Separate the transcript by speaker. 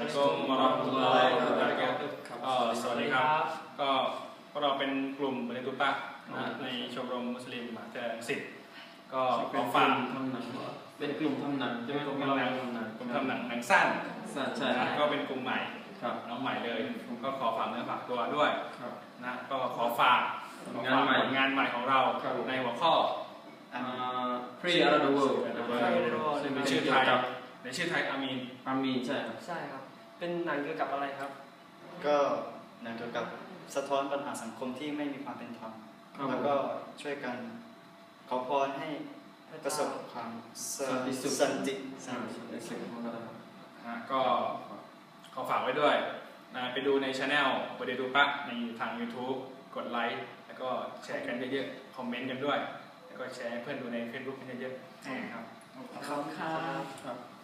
Speaker 1: Assalamualaikum warahmatullahi wabarakatuh สวัสดีครับก็พวกเราเป็นกลุ่มบริตุตะในชมรมมุสลิมมหาวิทยาลัยรังสิตก็ขอฝาก
Speaker 2: เป็นกลุ่มทำหนังใช่ไหมกลุ่มทำหนัง
Speaker 1: หนังสั้น
Speaker 2: ใช่
Speaker 1: ก็เป็นกลุ่มใหม่น้องใหม่เลยก็ขอฝากเนื้อฝากตัวด้วยนะก็ขอฝากงานใหม่ของเราในหัวข้อ
Speaker 2: Free Around the World
Speaker 1: ซึ่งเป็นชื่อไทยอามีน
Speaker 2: ใช่ครับ
Speaker 3: เป็นหนังเกี่ยวกับอะไรครับ
Speaker 4: ก็หนังเกี่ยวกับสะท้อนปัญหาสังคมที่ไม่มีความเป็นธรรมแล้วก็ช่วยกันขอพรให้ประสบความสันติ
Speaker 1: ก็ขอฝากไว้ด้วยไปดูในช anel บริตุตะในทาง YouTube กดไลค์แล้วก็แชร์กันเยอะๆคอมเมนต์กันด้วยแล้วก็แชร์ให้เพื่อนดูใน Facebook กันเยอะๆครับ
Speaker 3: ขอบคุณครับ